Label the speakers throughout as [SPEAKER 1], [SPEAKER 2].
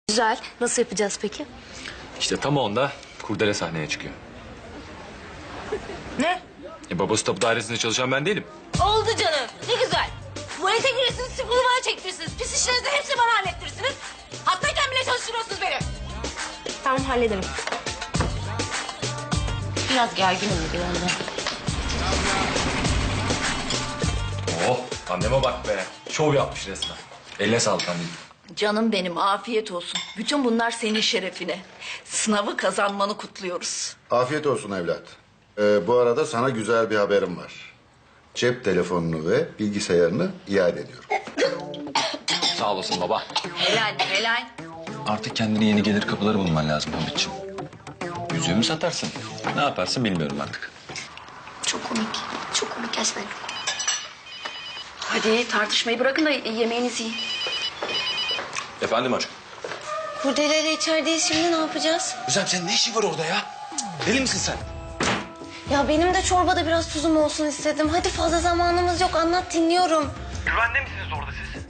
[SPEAKER 1] Güzel. Nasıl yapacağız peki?
[SPEAKER 2] İşte tam onda Kurdele sahneye çıkıyor.
[SPEAKER 1] Ne?
[SPEAKER 2] Babası tapu dairesinde çalışan ben değilim.
[SPEAKER 1] Oldu canım. Ne güzel. Tuvalete girirsiniz, sıfırı bana çektirirsiniz. Pis işlerinizi hepsini bana hallettirirsiniz. Hattayken bile çalıştırıyorsunuz beni. Tamam, hallederim. Biraz gerginim bugün ondan.
[SPEAKER 2] Oh, anneme bak be. Şov yapmış resmen. Eline sağlık anneciğim.
[SPEAKER 3] Canım benim, afiyet olsun. Bütün bunlar senin şerefine. Sınavı kazanmanı kutluyoruz.
[SPEAKER 4] Afiyet olsun evlat. Bu arada sana güzel bir haberim var. Cep telefonunu ve bilgisayarını iade ediyorum.
[SPEAKER 2] Sağ olasın baba.
[SPEAKER 3] Helal, helal.
[SPEAKER 2] Artık kendine yeni gelir kapıları bulman lazım Hamit'ciğim. Yüzüğümü satarsın. Ne yaparsın bilmiyorum artık.
[SPEAKER 1] Çok komik. Çok komik gerçekten.
[SPEAKER 3] Hadi tartışmayı bırakın da yemeğinizi yiyin.
[SPEAKER 2] Efendim aşkım?
[SPEAKER 1] Kurdeleyle içerideyiz, şimdi ne yapacağız?
[SPEAKER 2] Güzel, senin ne işin var orada ya? Deli misin sen?
[SPEAKER 1] Ya benim de çorbada biraz tuzum olsun istedim. Hadi, fazla zamanımız yok, anlat, dinliyorum.
[SPEAKER 5] Güvende misiniz orada siz?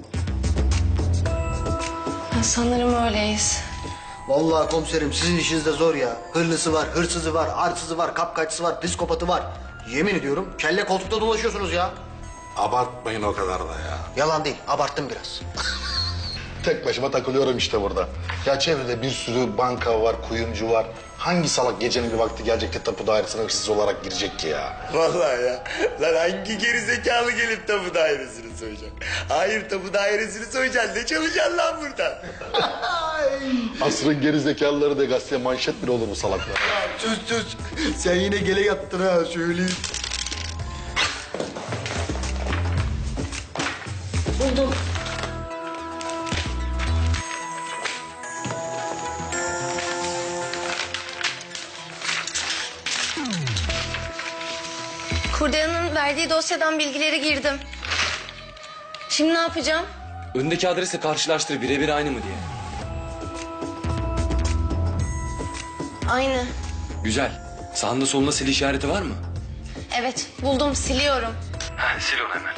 [SPEAKER 1] Sanırım öyleyiz.
[SPEAKER 6] Vallahi komiserim sizin işiniz de zor ya. Hırlısı var, hırsızı var, arsızı var, kapkaççısı var, psikopatı var. Yemin ediyorum kelle koltukta dolaşıyorsunuz ya.
[SPEAKER 4] Abartmayın o kadar da ya.
[SPEAKER 6] Yalan değil, abarttım biraz.
[SPEAKER 4] Tek başıma takılıyorum işte burada. Ya çevrede bir sürü banka var, kuyumcu var. Hangi salak gecenin bir vakti gelecek de tapu dairesine hırsız olarak girecek ki ya?
[SPEAKER 7] Vallahi ya. Lan hangi gerizekalı gelip tapu dairesini soyacak? Hayır, tapu dairesini soyacaksın. Ne çalışacaksın lan buradan?
[SPEAKER 4] Asrın gerizekalıları da gazeteye manşet bile olur bu salaklar.
[SPEAKER 6] Sus. Sen yine gele yattın ha, söyleyeyim.
[SPEAKER 1] Buldum. Kurdela'nın verdiği dosyadan bilgileri girdim. Şimdi ne yapacağım?
[SPEAKER 2] Öndeki adresi karşılaştır, birebir aynı mı diye.
[SPEAKER 1] Aynı.
[SPEAKER 2] Güzel. Sağında solunda sil işareti var mı?
[SPEAKER 1] Evet, buldum, siliyorum.
[SPEAKER 2] Ha, sil onu hemen.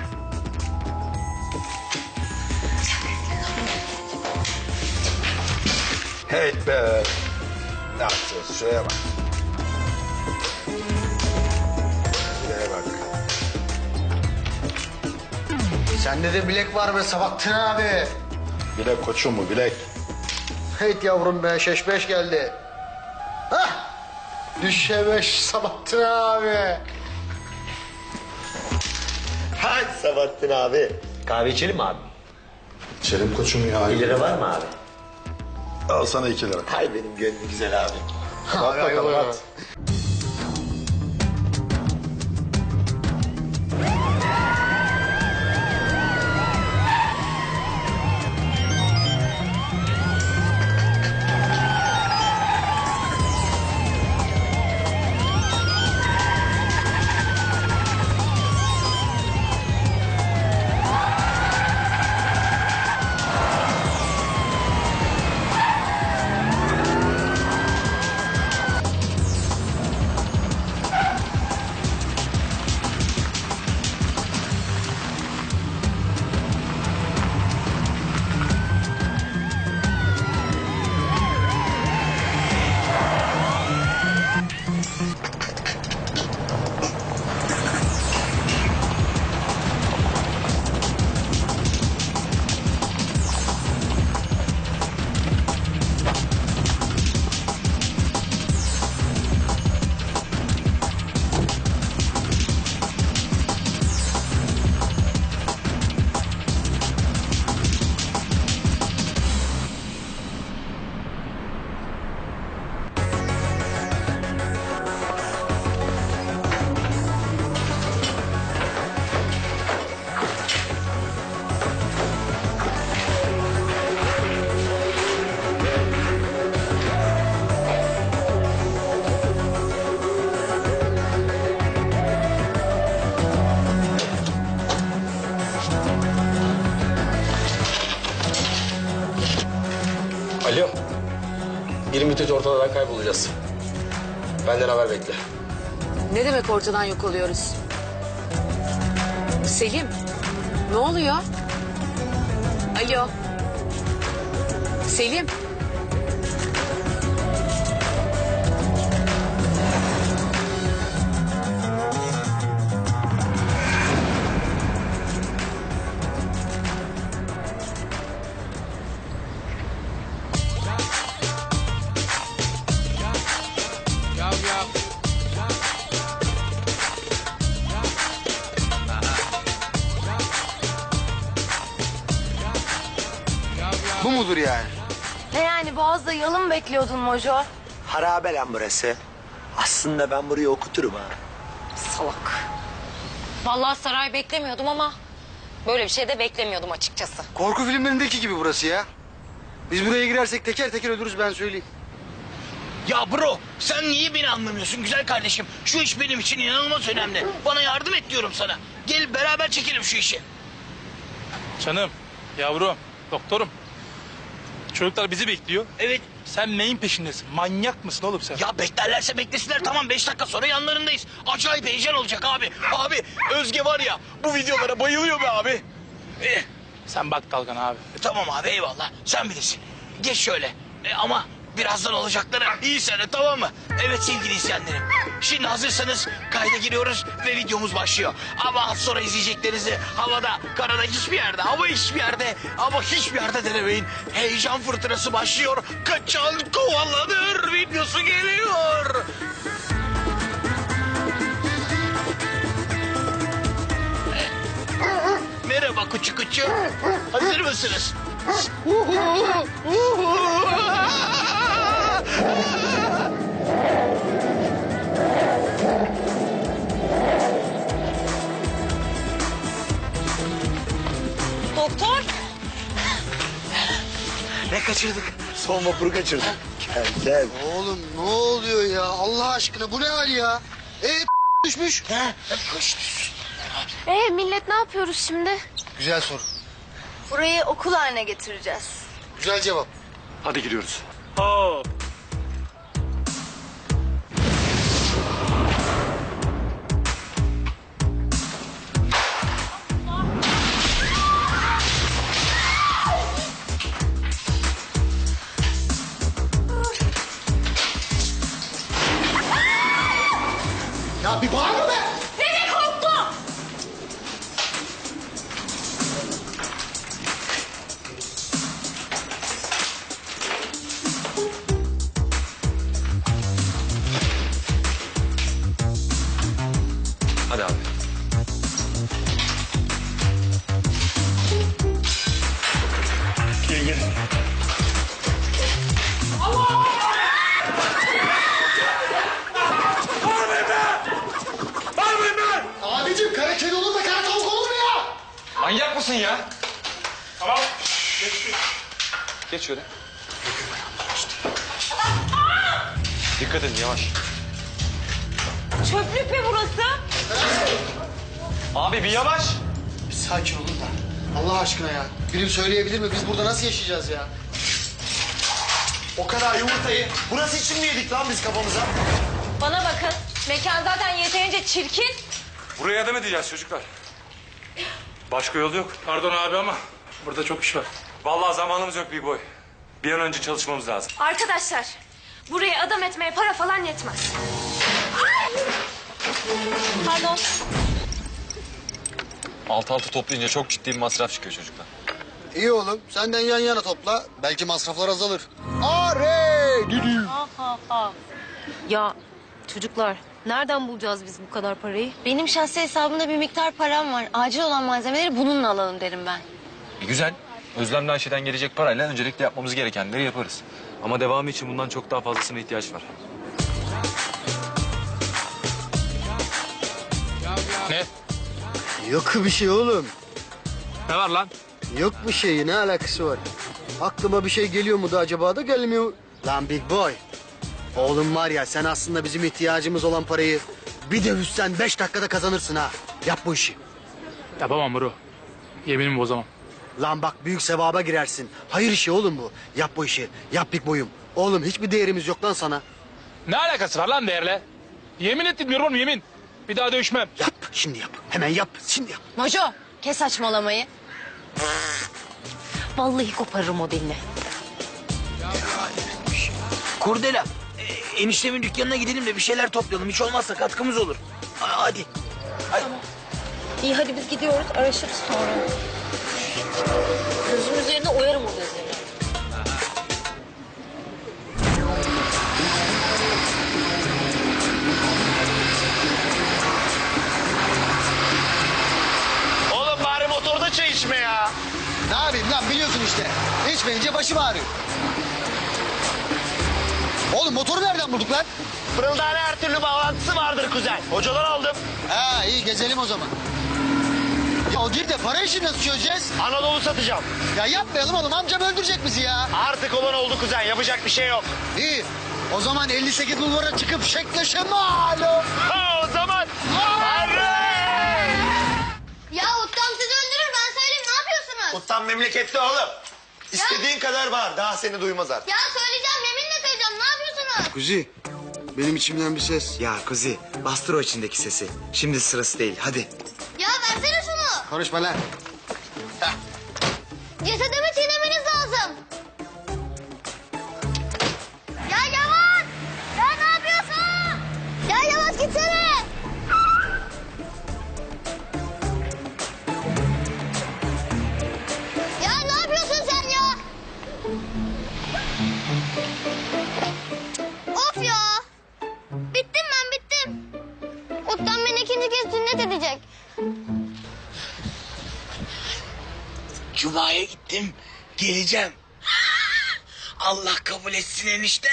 [SPEAKER 4] Hey be. Ne yapacağız? Şuraya bak. Şuraya bak.
[SPEAKER 6] Sende de bilek var be Sabahattin abi.
[SPEAKER 4] Bilek koçum mu bilek?
[SPEAKER 6] Hey yavrum be, şeş geldi. Hah! Düşebeş Sabahattin abi.
[SPEAKER 7] Hay Sabahattin abi. Kahve içelim mi abi?
[SPEAKER 4] İçerim koçum ya.
[SPEAKER 7] 1 lira var mı abi?
[SPEAKER 4] Al sana 2 lira.
[SPEAKER 7] Hay benim gönlüm güzel abi.
[SPEAKER 4] Bak bakalım at.
[SPEAKER 8] Alo. Bir müddet ortadan kaybolacağız. Benden haber bekle.
[SPEAKER 9] Ne demek ortadan yok oluyoruz? Selim, ne oluyor? Alo. Selim.
[SPEAKER 6] Bu mudur yani?
[SPEAKER 1] Ne yani Boğaz'da yalın bekliyordun Mojo?
[SPEAKER 7] Harabe lan burası. Aslında ben burayı okuturum ha.
[SPEAKER 1] Vallahi saray beklemiyordum ama böyle bir şey de beklemiyordum açıkçası.
[SPEAKER 6] Korku filmlerindeki gibi burası ya. Biz buraya girersek teker teker ölürüz ben söyleyeyim.
[SPEAKER 10] Ya bro sen niye beni anlamıyorsun güzel kardeşim? Şu iş benim için inanılmaz önemli. Bana yardım et diyorum sana. Gel beraber çekelim şu işi.
[SPEAKER 5] Canım, yavrum, doktorum. Çocuklar bizi bekliyor.
[SPEAKER 10] Evet.
[SPEAKER 5] Sen neyin peşindesin? Manyak mısın oğlum sen?
[SPEAKER 10] Ya beklerlerse beklesinler tamam 5 dakika sonra yanlarındayız. Acayip heyecan olacak abi. Abi Özge var ya bu videolara bayılıyor be abi.
[SPEAKER 5] Sen bak Dalgan abi.
[SPEAKER 10] Tamam abi eyvallah sen bilirsin. Geç şöyle. Ama birazdan olacakları iyi sene tamam mı? Evet sevgili izleyenlerim. Şimdi hazırsanız kayda giriyoruz ve videomuz başlıyor. Ama az sonra izleyeceklerinizi havada, karada hiçbir yerde ama hiçbir yerde ama hiçbir yerde denemeyin. Heyecan fırtınası başlıyor. Kaçan kovalanır videosu geliyor. Merhaba kuçu kuçu. Hazır mısınız?
[SPEAKER 1] Doktor.
[SPEAKER 7] Ne kaçırdık? Son vapuru kaçırdık. Gel gel.
[SPEAKER 6] Oğlum ne oluyor ya? Allah aşkına bu ne hal ya? Düşmüş.
[SPEAKER 1] Millet ne yapıyoruz şimdi?
[SPEAKER 6] Güzel soru.
[SPEAKER 1] Burayı okul haline getireceğiz.
[SPEAKER 6] Güzel cevap.
[SPEAKER 2] Hadi giriyoruz.
[SPEAKER 5] Hop.
[SPEAKER 6] Ya bir bağırma be!
[SPEAKER 1] Nereye korktum?
[SPEAKER 2] Hadi abi.
[SPEAKER 5] Gel gel.
[SPEAKER 6] Abicim kara kedi olur da kara tavuk olur mu ya?
[SPEAKER 2] Manyak mısın ya?
[SPEAKER 5] Tamam.
[SPEAKER 2] Geç şöyle. Dikkat edin yavaş.
[SPEAKER 1] Çöplük mü burası?
[SPEAKER 2] Abi bir yavaş.
[SPEAKER 6] Bir sakin olun da. Allah aşkına ya. Birim söyleyebilir mi? Biz burada nasıl yaşayacağız ya?
[SPEAKER 7] O kadar yumurtayı burası için mi yedik lan biz kafamıza?
[SPEAKER 1] Bana bakın. Mekan zaten yeterince çirkin.
[SPEAKER 2] Buraya adam edeceğiz çocuklar. Başka yol yok.
[SPEAKER 5] Pardon abi ama burada çok iş var.
[SPEAKER 2] Vallahi zamanımız yok Big Boy. Bir an önce çalışmamız lazım.
[SPEAKER 1] Arkadaşlar, buraya adam etmeye para falan yetmez. Pardon.
[SPEAKER 2] Alt altı toplayınca çok ciddi bir masraf çıkıyor çocuklar.
[SPEAKER 6] İyi oğlum. Senden yan yana topla. Belki masraflar azalır. Are! Düdü.
[SPEAKER 1] Ya çocuklar, nereden bulacağız biz bu kadar parayı? Benim şahsi hesabımda bir miktar param var. Acil olan malzemeleri bununla alalım derim ben.
[SPEAKER 2] Güzel. Özlemle Ayşe'den gelecek parayla öncelikle yapmamız gerekenleri yaparız. Ama devamı için bundan çok daha fazlasına ihtiyaç var.
[SPEAKER 5] Ne?
[SPEAKER 6] Yok bir şey oğlum.
[SPEAKER 5] Ne var lan?
[SPEAKER 6] Yok bir şey. Ne alakası var? Aklıma bir şey geliyor mu da acaba da gelmiyor. Lan Big Boy. Oğlum var ya sen aslında bizim ihtiyacımız olan parayı bir dövüşsen 5 dakikada kazanırsın ha. Yap bu işi.
[SPEAKER 5] Yapamam bro. Yeminimi bozamam.
[SPEAKER 6] Lan bak büyük sevaba girersin. Hayır işi oğlum bu. Yap bu işi. Yap Big Boy'um. Oğlum hiçbir değerimiz yok lan sana.
[SPEAKER 5] Ne alakası var lan değerle? Yemin ettim diyorum oğlum yemin. Bir daha dövüşmem.
[SPEAKER 6] Yap şimdi yap. Hemen yap. Şimdi yap.
[SPEAKER 1] Mojo, kes saçmalamayı. Vallahi koparırım o dilini.
[SPEAKER 10] Kurdela, eniştemin dükkanına gidelim de bir şeyler toplayalım. Hiç olmazsa katkımız olur. Hadi.
[SPEAKER 1] İyi hadi biz gidiyoruz araşırız sonra. Gözüm üzerine oyarım o gözleri.
[SPEAKER 7] Oğlum bari motorda çay içme ya.
[SPEAKER 6] Ne yapayım lan biliyorsun işte. İçmeyince başım ağrıyor. Oğlum motoru nereden bulduk lan?
[SPEAKER 7] Fırıldağına her türlü bağlantısı vardır kuzen. Hocadan aldım.
[SPEAKER 6] Ha iyi gezelim o zaman. Ya o gir de para işini nasıl çözeceğiz?
[SPEAKER 7] Anadolu satacağım.
[SPEAKER 6] Ya yapmayalım oğlum amcam öldürecek bizi ya.
[SPEAKER 7] Artık olan oldu kuzen. Yapacak bir şey yok.
[SPEAKER 6] İyi. O zaman 58 bulvara çıkıp şekleşe malum.
[SPEAKER 7] Ha, o zaman.
[SPEAKER 11] Ya Uttam sizi öldürür ben söyleyeyim ne yapıyorsunuz?
[SPEAKER 7] Uttan memlekette oğlum. İstediğin kadar bağır. Daha seni duymaz artık.
[SPEAKER 11] Ya söyleyeceğim yeminle söyleyeceğim ne yapıyorsunuz?
[SPEAKER 6] Kuzi benim içimden bir ses.
[SPEAKER 8] Ya Kuzi bastır o içindeki sesi. Şimdi sırası değil hadi.
[SPEAKER 11] Ya versene şunu.
[SPEAKER 6] Konuşma lan.
[SPEAKER 11] Cesedimi çiğnemeniz lazım. Ya Yavaş! Ya ne yapıyorsun? Ya Yavaş gitsene. Ya ne yapıyorsun sen ya? Of ya. Bittim ben bittim. Uttam beni ikinci kez sünnet edecek.
[SPEAKER 10] Cuma'ya gittim, geleceğim. Allah kabul etsin enişte.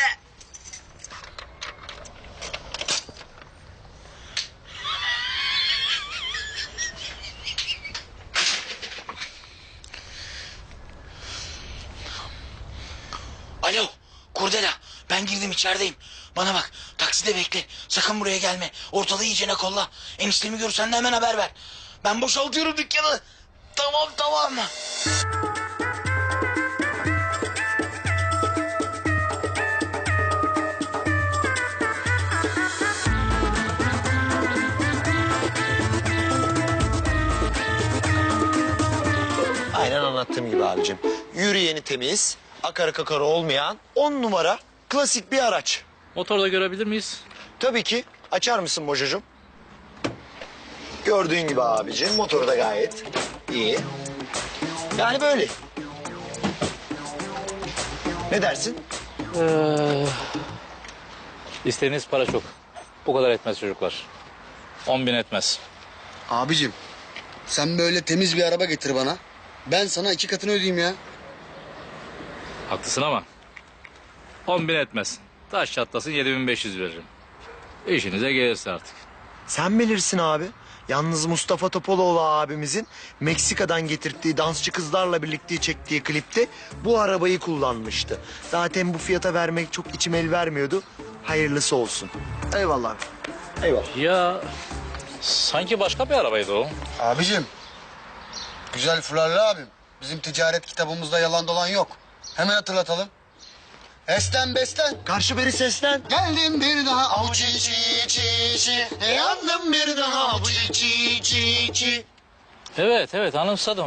[SPEAKER 10] Alo, Kurdela. Ben girdim içerideyim. Bana bak, takside bekle. Sakın buraya gelme. Ortalığı iyicene kolla. Eniştemi görürsen de hemen haber ver. Ben boşaltıyorum dükkanı. Tamam.
[SPEAKER 7] Aynen anlattığım gibi abicim. Yürüyeni temiz, akarı kakarı olmayan 10 numara klasik bir araç.
[SPEAKER 5] Motorda görebilir miyiz?
[SPEAKER 7] Tabii ki. Açar mısın Mojocuğum? Gördüğün gibi abicim motoru da gayet iyi. Yani böyle. Ne dersin?
[SPEAKER 5] İstediğiniz para çok. O kadar etmez çocuklar. 10.000 etmez.
[SPEAKER 6] Abicim sen böyle temiz bir araba getir bana. Ben sana 2 katını ödeyeyim ya.
[SPEAKER 5] Haklısın ama 10.000 etmez. Taş çatlasın 7.500 veririm. İşinize gelirse artık.
[SPEAKER 7] Sen bilirsin abi. Yalnız Mustafa Topaloğlu abimizin Meksika'dan getirdiği dansçı kızlarla birlikte çektiği klipte bu arabayı kullanmıştı. Zaten bu fiyata vermek çok içim el vermiyordu. Hayırlısı olsun.
[SPEAKER 6] Eyvallah abi.
[SPEAKER 7] Eyvallah.
[SPEAKER 5] Ya sanki başka bir arabaydı o.
[SPEAKER 6] Abicim. Güzel fularlı abim. Bizim ticaret kitabımızda yalan dolan yok. Hemen hatırlatalım. Esten besten.
[SPEAKER 7] Karşı beri seslen.
[SPEAKER 6] Geldim bir daha avuç içi. Yandım bir daha avuç içi.
[SPEAKER 5] Evet anımsadım.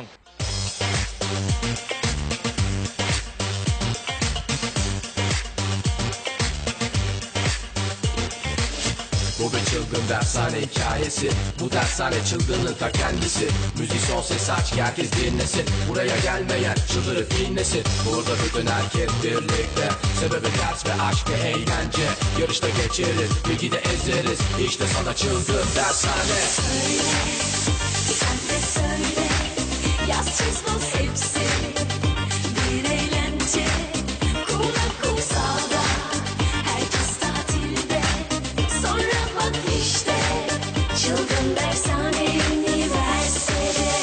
[SPEAKER 12] Bu bir çılgın dershane hikayesi. Bu dershane çılgının ta kendisi. Müzik son ses aç ki herkes dinlesin. Buraya gelmeyen çıldırıp inlesin. Burada bütün herkes birlikte. Sebebi ders ve aşk ve eğlence. Yarışta geçeriz, bilgide ezeriz. İşte sana çılgın dershane.
[SPEAKER 13] Sen de söyle, yaz çiz buz hepsi bir eğlence. Kumda kumsalda, herkes tatilde. Sonra bak işte, çılgın dershane üniversitede.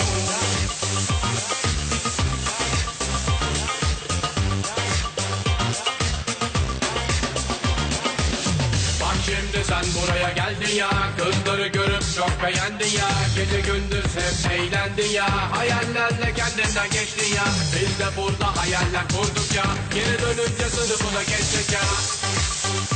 [SPEAKER 12] Bak şimdi sen buraya geldin ya. Kızları görüp çok beğendin ya. Gece gündüz hep eğlendin ya. Hayallerle kendinden geçtin ya. Biz de burada hayaller kurduk ya. Geri dönünce sınıfına geçtik ya.